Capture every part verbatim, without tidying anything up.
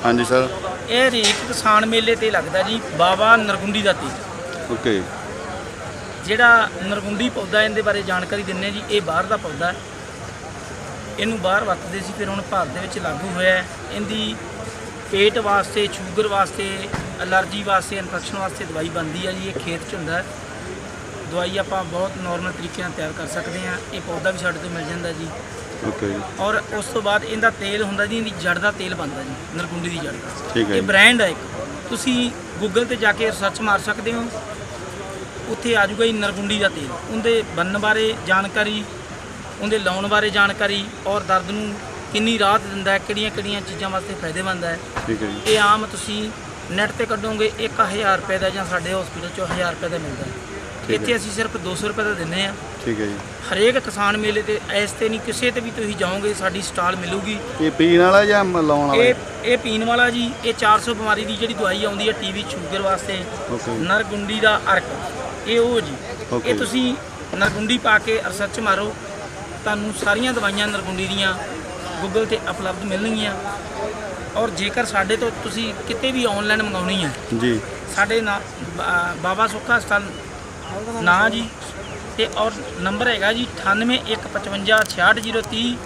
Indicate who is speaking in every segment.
Speaker 1: हाँ जी सर।
Speaker 2: ये हरेक किसान मेले ते लगदा जी बाबा नरगुंडी दा तेल।
Speaker 1: ओके।
Speaker 2: ਜਿਹੜਾ ਨਰਗੁੰਡੀ ਪੌਦਾ ਇਹਦੇ ਬਾਰੇ ਜਾਣਕਾਰੀ ਦਿੰਨੇ ਜੀ। ਇਹ ਬਾਹਰ ਦਾ ਪੌਦਾ ਹੈ, ਇਹਨੂੰ ਬਾਹਰ ਵਰਤਦੇ ਸੀ, ਫਿਰ ਹੁਣ ਭਾਰਤ ਦੇ ਵਿੱਚ ਲਾਗੂ ਹੋਇਆ। ਇਹਦੀ ਪੇਟ ਵਾਸਤੇ, ਸ਼ੂਗਰ ਵਾਸਤੇ, ਅਲਰਜੀ ਵਾਸਤੇ, ਇਨਫੈਕਸ਼ਨ ਵਾਸਤੇ ਦਵਾਈ ਬਣਦੀ ਹੈ ਜੀ। ਇਹ ਖੇਤ 'ਚ ਹੁੰਦਾ। ਦਵਾਈ ਆਪਾਂ ਬਹੁਤ ਨੋਰਮਲ ਤਰੀਕੇ ਨਾਲ ਤਿਆਰ ਕਰ ਸਕਦੇ ਹਾਂ। ਇਹ ਪੌਦਾ ਵੀ ਸਾਡੇ ਤੋਂ ਮਿਲ ਜਾਂਦਾ ਜੀ।
Speaker 1: ओके।
Speaker 2: ਔਰ ਉਸ ਤੋਂ ਬਾਅਦ ਇਹਦਾ ਤੇਲ ਹੁੰਦਾ ਜੀ, ਇਹਦੀ ਜੜ ਦਾ ਤੇਲ ਬਣਦਾ ਜੀ, ਨਰਗੁੰਡੀ ਦੀ ਜੜ ਦਾ।
Speaker 1: ठीक है।
Speaker 2: ਇਹ ਬ੍ਰਾਂਡ ਹੈ ਇੱਕ, ਤੁਸੀਂ ਗੂਗਲ ਤੇ ਜਾ ਕੇ ਸਰਚ ਮਾਰ ਸਕਦੇ ਹੋ, ਉੱਥੇ ਆ ਜਾਊਗਾ ਜੀ ਨਰਗੁੰਡੀ ਦਾ ਤੇਲ। ਉਹਦੇ ਬਣਨ ਬਾਰੇ ਜਾਣਕਾਰੀ, ਉਹਦੇ ਲਾਉਣ ਬਾਰੇ ਜਾਣਕਾਰੀ, ਔਰ ਦਰਦ ਨੂੰ ਕਿੰਨੀ ਰਾਹਤ ਦਿੰਦਾ ਹੈ, ਕਿਹੜੀਆਂ ਕਿਹੜੀਆਂ ਚੀਜ਼ਾਂ ਵਾਸਤੇ ਫਾਇਦੇਮੰਦ ਹੈ।
Speaker 1: ठीक है जी।
Speaker 2: ਇਹ ਆਮ ਤੁਸੀਂ ਨੈੱਟ ਤੇ ਕੱਢੋਗੇ ਇੱਕ ਹਜ਼ਾਰ ਰੁਪਏ ਦਾ, ਜਾਂ ਸਾਡੇ ਹਸਪੀਟਲ 'ਚੋਂ ਹਜ਼ਾਰ ਰੁਪਏ ਦਾ ਮਿਲਦਾ ਹੈ। ਇੱਥੇ ਅਸੀਂ ਸਿਰਫ ਦੋ ਸੌ ਰੁਪਏ ਦਾ ਦਿੰਦੇ ਹਾਂ।
Speaker 1: ठीक है जी।
Speaker 2: ਹਰੇਕ ਕਿਸਾਨ ਮੇਲੇ ਤੇ ਇਸ ਤੇ ਨਹੀਂ, ਕਿਸੇ ਤੇ ਵੀ ਤੁਸੀਂ ਜਾਓਗੇ ਸਾਡੀ ਸਟਾਲ ਮਿਲੂਗੀ।
Speaker 1: ये पीने वाला या लाउण वाला?
Speaker 2: ਇਹ ਇਹ ਪੀਣ ਵਾਲਾ ਜੀ। ਇਹ ਚਾਰ ਸੌ ਬਿਮਾਰੀ ਦੀ ਜਿਹੜੀ ਦਵਾਈ ਆਉਂਦੀ ਹੈ ਟੀਵੀ ਸ਼ੂਗਰ ਵਾਸਤੇ,
Speaker 1: ओके।
Speaker 2: ਨਰਗੁੰਡੀ ਦਾ ਅਰਕ, ਇਹ ਉਹ ਜੀ।
Speaker 1: Okay।
Speaker 2: ਇਹ ਤੁਸੀਂ ਨਰਗੁੰਡੀ ਪਾ ਕੇ ਰਿਸਰਚ ਮਾਰੋ, ਤੁਹਾਨੂੰ ਸਾਰੀਆਂ ਦਵਾਈਆਂ ਨਰਗੁੰਡੀ ਦੀਆਂ ਗੂਗਲ ਤੇ ਉਪਲਬਧ ਮਿਲਣਗੀਆਂ। ਔਰ ਜੇਕਰ ਸਾਡੇ ਤੋਂ ਤੁਸੀਂ ਕਿਤੇ ਵੀ ਆਨਲਾਈਨ ਮੰਗਾਉਣੀ ਹੈ,
Speaker 1: जी।
Speaker 2: ਸਾਡੇ ਨਾ ਬਾ- ਬਾਬਾ ਸੁੱਖਾ ਹਸਪਤਾਲ ਨਾਂ ਜੀ, ਤੇ ਔਰ ਨੰਬਰ ਹੈਗਾ ਜੀ ਅਠਾਨਵੇਂ ਇੱਕ ਪਚਵੰਜਾ ਛਿਆਹਠ ਜ਼ੀਰੋ ਤੀਹ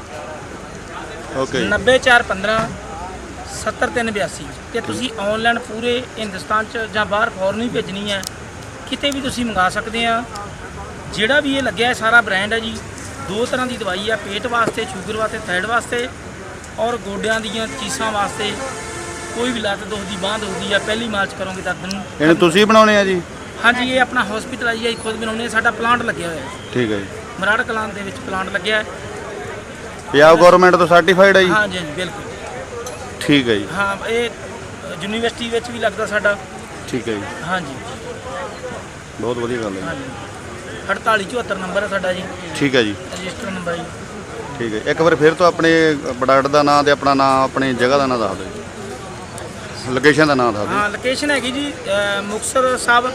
Speaker 1: ओके।
Speaker 2: ਨੱਬੇ ਚਾਰ ਪੰਦਰਾਂ ਸੱਤਰ ਤਿੰਨ ਬਿਆਸੀ। ਤੇ ਤੁਸੀਂ ਆਨਲਾਈਨ ਪੂਰੇ ਹਿੰਦੁਸਤਾਨ 'ਚ ਜਾਂ ਬਾਹਰ ਫੋਰਨ ਵੀ ਭੇਜਣੀ ਹੈ, ਕਿਤੇ ਵੀ ਤੁਸੀਂ ਮੰਗਾ ਸਕਦੇ ਆ। ਜਿਹੜਾ ਵੀ ਇਹ ਲੱਗਿਆ ਹੈ ਸਾਰਾ ਬ੍ਰਾਂਡ ਹੈ ਜੀ। ਦੋ ਤਰ੍ਹਾਂ ਦੀ ਦਵਾਈ ਆ, ਪੇਟ ਵਾਸਤੇ, ਸ਼ੂਗਰ ਵਾਸਤੇ, ਥਾਇਰਡ ਵਾਸਤੇ, ਔਰ ਗੋਡਿਆਂ ਦੀਆਂ ਚੀਸਾਂ ਵਾਸਤੇ। ਕੋਈ ਵੀ ਲੱਤ ਦੁਖਦੀ, ਬਾਂਹ ਦੁਖਦੀ ਆ, ਪਹਿਲੀ ਮਾਰਚ ਕਰੋਗੇ ਦਰਦ ਨੂੰ।
Speaker 1: ਇਹਨੂੰ ਤੁਸੀਂ ਬਣਾਉਣੇ ਆ ਜੀ?
Speaker 2: ਹਾਂਜੀ, ਇਹ ਆਪਣਾ ਹਸਪੀਟਲ ਆ ਜੀ, ਅਸੀਂ ਖੁਦ ਬਣਾਉਂਦੇ ਹਾਂ। ਸਾਡਾ ਪਲਾਂਟ ਲੱਗਿਆ ਹੋਇਆ ਹੈ
Speaker 1: ठीक है जी।
Speaker 2: ਮਰਾੜ ਕਲਾਂ ਦੇ ਵਿੱਚ ਪਲਾਂਟ ਲੱਗਿਆ ਹੈ।
Speaker 1: ਪੰਜਾਬ ਗਵਰਨਮੈਂਟ ਤੋਂ ਸਰਟੀਫਾਈਡ ਹੈ ਜੀ?
Speaker 2: ਹਾਂਜੀ ਹਾਂਜੀ ਬਿਲਕੁਲ।
Speaker 1: ठीक है जी।
Speaker 2: ਹਾਂ, ਇਹ ਯੂਨੀਵਰਸਿਟੀ ਵਿੱਚ ਵੀ ਲੱਗਦਾ ਸਾਡਾ।
Speaker 1: ठीक है जी।
Speaker 2: ਹਾਂਜੀ
Speaker 1: ਬਹੁਤ ਵਧੀਆ ਗੱਲ ਹੈ
Speaker 2: ਹਾਂਜੀ। ਅਠਤਾਲੀ ਚੁਹੱਤਰ ਨੰਬਰ ਹੈ ਸਾਡਾ ਜੀ,
Speaker 1: ਜੀ। ਠੀਕ ਹੈ ਜੀ।
Speaker 2: ਰਜਿਸਟਰ ਨੰਬਰ ਜੀ।
Speaker 1: ਠੀਕ ਹੈ। ਇੱਕ ਵਾਰ ਫਿਰ ਤੋਂ ਆਪਣੇ ਪ੍ਰੋਡਕਟ ਦਾ ਨਾਮ ਤੇ ਆਪਣਾ ਨਾਮ, ਆਪਣੀ ਜਗ੍ਹਾ ਦਾ ਨਾਮ ਦੱਸ ਦਿਓ ਜੀ, ਲੋਕੇਸ਼ਨ ਦਾ ਨਾਮ ਦੱਸ ਦਿਓ।
Speaker 2: ਹਾਂ, ਲੋਕੇਸ਼ਨ ਹੈਗੀ ਜੀ ਅ, ਮੁਕਤਸਰ ਸਾਹਿਬ,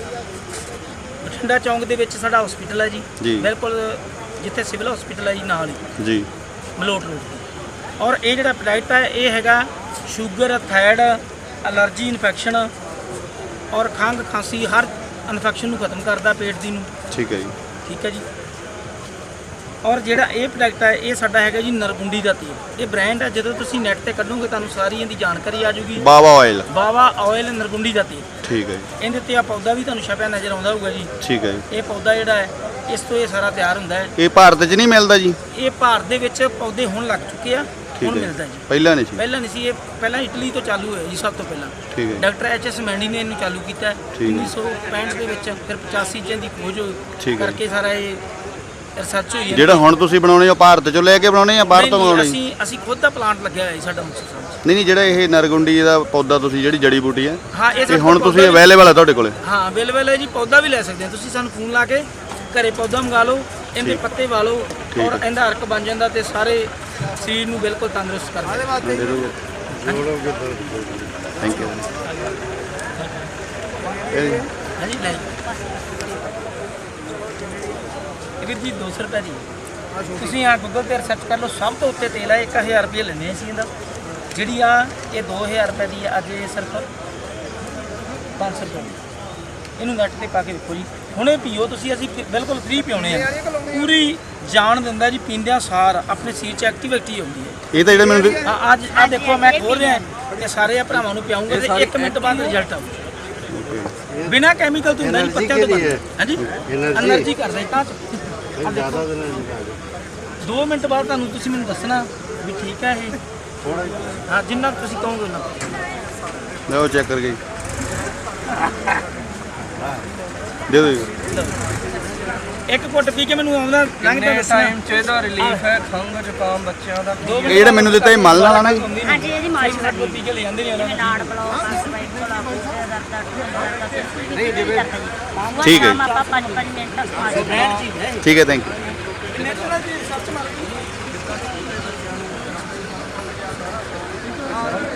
Speaker 2: ਬਠਿੰਡਾ ਚੌਂਕ ਦੇ ਵਿੱਚ ਸਾਡਾ ਹਸਪੀਟਲ ਹੈ ਜੀ।
Speaker 1: ਜੀ।
Speaker 2: ਬਿਲਕੁਲ ਜਿੱਥੇ ਸਿਵਲ ਹਸਪੀਟਲ ਹੈ ਜੀ, ਨਾਲ ਹੀ
Speaker 1: ਜੀ।
Speaker 2: ਮਲੋਟ ਰੋਡ ਤੇ। ਔਰ ਇਹ ਜਿਹੜਾ ਪ੍ਰੋਡਕਟ ਹੈ ਇਹ ਹੈਗਾ ਸ਼ੂਗਰ, ਥਾਇਰਡ, ਅਲਰਜੀ, ਇਨਫੈਕਸ਼ਨ ਔਰ ਖੰਘ ਖਾਂਸੀ, ਹਰ ਇਨਫੈਕਸ਼ਨ ਨੂੰ ਖਤਮ ਕਰਦਾ, ਪੇਟ ਦੀ ਨੂੰ।
Speaker 1: ਠੀਕ ਹੈ ਜੀ।
Speaker 2: ਠੀਕ ਹੈ ਜੀ। ਔਰ ਜਿਹੜਾ ਇਹ ਪ੍ਰੋਡਕਟ ਹੈ ਇਹ ਸਾਡਾ ਹੈਗਾ ਜੀ ਨਰਗੁੰਡੀ ਦਾ ਤੇਲ। ਇਹ ਬ੍ਰਾਂਡ ਹੈ, ਜਦੋਂ ਤੁਸੀਂ ਨੈੱਟ ਤੇ ਕੱਢੋਗੇ ਤੁਹਾਨੂੰ ਸਾਰੀ ਇਹਦੀ ਜਾਣਕਾਰੀ ਆ ਜਾਊਗੀ।
Speaker 1: ਬਾਵਾ ਆਇਲ।
Speaker 2: ਬਾਵਾ ਆਇਲ ਨਰਗੁੰਡੀ ਦਾ ਤੇਲ।
Speaker 1: ਠੀਕ ਹੈ ਜੀ।
Speaker 2: ਇਹਦੇ ਤੇ ਆ ਪੌਦਾ ਵੀ ਤੁਹਾਨੂੰ ਛਪਿਆ ਨਜ਼ਰ ਆਉਂਦਾ ਹੋਊਗਾ ਜੀ।
Speaker 1: ਠੀਕ ਹੈ ਜੀ।
Speaker 2: ਇਹ ਪੌਦਾ ਜਿਹੜਾ ਹੈ, ਇਸ ਤੋਂ ਇਹ ਸਾਰਾ ਤਿਆਰ ਹੁੰਦਾ ਹੈ।
Speaker 1: ਇਹ ਭਾਰਤ 'ਚ ਨਹੀਂ ਮਿਲਦਾ ਜੀ?
Speaker 2: ਇਹ ਭਾਰਤ ਦੇ ਵਿੱਚ ਪੌਦੇ ਹੁਣ ਲੱਗ ਚੁੱਕੇ ਆ,
Speaker 1: ਠੀਕ
Speaker 2: ਹੁਣ
Speaker 1: ਹੈ।
Speaker 2: ਮਿਲਦਾ ਜੀ।
Speaker 1: ਪਹਿਲਾਂ ਨਹੀਂ ਸੀ?
Speaker 2: ਪਹਿਲਾਂ ਨਹੀਂ ਸੀ। ਇਹ ਪਹਿਲਾਂ ਇਟਲੀ ਤੋਂ ਚਾਲੂ ਹੋਇਆ ਜੀ, ਸਭ ਤੋਂ ਪਹਿਲਾਂ
Speaker 1: ਠੀਕ ਹੈ।
Speaker 2: ਡਾਕਟਰ ਐਚ ਐਸ ਮੈਂਡੀ ਨੇ ਇਹਨੂੰ ਚਾਲੂ ਕੀਤਾ ਹੈ
Speaker 1: ਠੀਕ ਹੈ।
Speaker 2: ਉੱਨੀ ਸੌ ਪੈਂਹਠ ਦੇ ਵਿੱਚ। ਫਿਰ ਪਚਾਸੀ 'ਚ ਇਹਦੀ ਖੋਜ
Speaker 1: ਠੀਕ ਹੈ।
Speaker 2: ਕਰਕੇ ਸਾਰਾ ਇਹ ਰਿਸਰਚ ਹੋਈ ਹੈ।
Speaker 1: ਜਿਹੜਾ ਹੁਣ ਤੁਸੀਂ ਬਣਾਉਣੇ ਹੋ ਭਾਰਤ 'ਚੋਂ ਲੈ ਕੇ ਬਣਾਉਣੇ ਜਾਂ ਬਾਹਰ ਤੋਂ
Speaker 2: ਨਹੀਂ,
Speaker 1: ਮੰਗਾਉਣੇ?
Speaker 2: ਅਸੀਂ ਅਸੀਂ ਖੁਦ ਦਾ ਪਲਾਂਟ ਲੱਗਿਆ ਹੋਇਆ ਜੀ ਸਾਡਾ ਮੁਕਤਸਰ ਸਾਹਿਬ 'ਚ।
Speaker 1: ਨਹੀਂ ਨਹੀਂ, ਜਿਹੜਾ ਇਹ ਨਰਗੁੰਡੀ ਦਾ ਪੌਦਾ ਤੁਸੀਂ, ਜਿਹੜੀ ਜੜੀ ਬੂਟੀ ਹੈ,
Speaker 2: ਹਾਂ, ਇਹ
Speaker 1: ਇਹ
Speaker 2: ਸਾਡੇ
Speaker 1: ਹੁਣ
Speaker 2: ਕੋਲ
Speaker 1: ਤੁਸੀਂ
Speaker 2: ਪੌਦਾ ਵੀ-
Speaker 1: ਅਵੇਲੇਬਲ ਹੈ ਤੁਹਾਡੇ ਕੋਲੇ?
Speaker 2: ਹਾਂ, ਅਵੇਲੇਬਲ ਹੈ ਜੀ। ਪੌਦਾ ਵੀ ਲੈ ਸਕਦੇ ਹੋ ਤੁਸੀਂ, ਸਾਨੂੰ ਫੋਨ ਲਾ ਕੇ ਘਰੇ ਪੌਦਾ ਮੰਗਾ ਲਓ, ਇਹਦੇ
Speaker 1: ਠੀਕ।
Speaker 2: ਪੱਤੇ ਵਾ ਲਓ,
Speaker 1: ਠੀਕ
Speaker 2: ਔਰ
Speaker 1: ਹੈ।
Speaker 2: ਇਹਦਾ ਅਰਕ ਬਣ ਜਾਂਦਾ ਤੇ ਸਾਰੇ ਸਰੀਰ ਨੂੰ ਬਿਲਕੁਲ ਤੰਦਰੁਸਤ ਕਰ ਦਿੰਦਾ।
Speaker 1: Thank you.
Speaker 2: ਹਾਂਜੀ, ਲੈ ਇਹ ਵੀਰ ਜੀ ਦੋ ਸੌ ਰੁਪਏ ਦੀ। ਤੁਸੀਂ ਆ ਗੂਗਲ ਤੇ ਰਿਸਰਚ ਕਰ ਲਓ, ਸਭ ਤੋਂ ਉੱਤੇ ਤੇਲ ਹੈ। ਇੱਕ ਹਜ਼ਾਰ ਰੁਪਏ ਲੈਂਦੇ ਅਸੀਂ ਇਹਦਾ। ਜਿਹੜੀ ਆ ਇਹ ਦੋ ਹਜ਼ਾਰ ਰੁਪਏ ਦੀ ਹੈ, ਅੱਜ ਇਹ ਸਿਰਫ ਪੰਜ ਸੌ ਰੁਪਏ ਦੀ। ਇਹਨੂੰ ਨੈੱਟ ਤੇ ਪਾ ਕੇ ਦੇਖੋ ਜੀ, ਹੁਣੇ ਪੀਓ ਤੁਸੀਂ। ਅਸੀਂ ਫਿ- ਬਿਲਕੁਲ ਫ੍ਰੀ ਪਿਉਣੇ ਆ। ਪੂਰੀ ਜਾਨ ਦਿੰਦਾ ਜੀ, ਪੀਂਦਿਆਂ ਸਾਰ ਆਪਣੇ ਸਰੀਰ 'ਚ ਐਕਟੀਵਿਟੀ ਆਉਂਦੀ ਹੈ।
Speaker 1: ਇਹ ਤਾਂ ਜਿਹੜਾ ਮੈਨੂੰ
Speaker 2: ਆ ਅੱਜ ਆ ਦੇਖੋ, ਮੈਂ ਖੋਲ ਰਿਹਾ ਤੇ ਸਾਰੇ ਆ ਭਰਾਵਾਂ ਨੂੰ ਪਿਆਉਂਗਾ ਤੇ ਇੱਕ ਮਿੰਟ ਬਾਅਦ ਰਿਜ਼ਲਟ ਆਊ। ਬਿਨਾ ਕੈਮੀਕਲ ਤੋਂ ਹੁੰਦਾ ਜੀ, ਪੱਤਿਆਂ ਤੋਂ ਬਣਦਾ। ਹਾਂਜੀ, એનર્ਜੀ ਕਰਦਾ ਜੀ ਤਾਂ ਜ਼ਿਆਦਾ ਦਿਨ ਦੋ ਮਿੰਟ ਬਾਅਦ ਤੁਹਾਨੂੰ ਤੁਸੀਂ ਮੈਨੂੰ ਦੱਸਣਾ ਵੀ ਠੀਕ ਹੈ ਇਹ। ਹਾਂ, ਜਿੰਨਾ ਤੁਸੀਂ ਕਹੋਗੇ ਉਹਨਾਂ
Speaker 1: ਲਓ ਚੈੱਕ ਕਰਕੇ ਦੇ ਦਿਓ ਜੀ।
Speaker 2: ਇੱਕ ਘੁੱਟ ਪੀ ਕੇ ਮੈਨੂੰ ਆਉਂਦਾ ਲੰਘਦਾ ਦੱਸਣਾ।
Speaker 3: ਟਾਈਮ ਚ ਇਹਦਾ ਰਿਲੀਫ ਹੈ ਖੰਘ ਜ਼ੁਕਾਮ ਬੱਚਿਆਂ ਦਾ।
Speaker 1: ਇਹ ਜਿਹੜਾ ਮੈਨੂੰ ਦਿੱਤਾ ਇਹ ਮਲ ਨਾਲ ਆਣਾ ਜੀ?
Speaker 4: ਹਾਂਜੀ, ਇਹਦੀ ਮਾਲਿਸ਼
Speaker 2: ਸਾਡੇ ਕੋਲ ਪੀ ਕੇ ਲੈ ਜਾਂਦੇ ਨੇ ਉਹਨਾਂ ਨੂੰ।
Speaker 4: ਨਾੜ ਬਲੌਕ ਆ, ਸਵਾਈਕਲ ਆ, ਕੋਈ ਦਰਦ ਦਾ
Speaker 1: ਠੀਕ ਹੈ।
Speaker 4: ਆਪਾਂ ਪੰਜ ਪੰਜ ਮਿੰਟ ਮਾਲਿਸ਼
Speaker 1: ਠੀਕ ਹੈ, ਥੈਂਕ ਯੂ।
Speaker 2: ਨੈਚੁਰਲ ਜੀ ਸਰਚ ਮਾਰ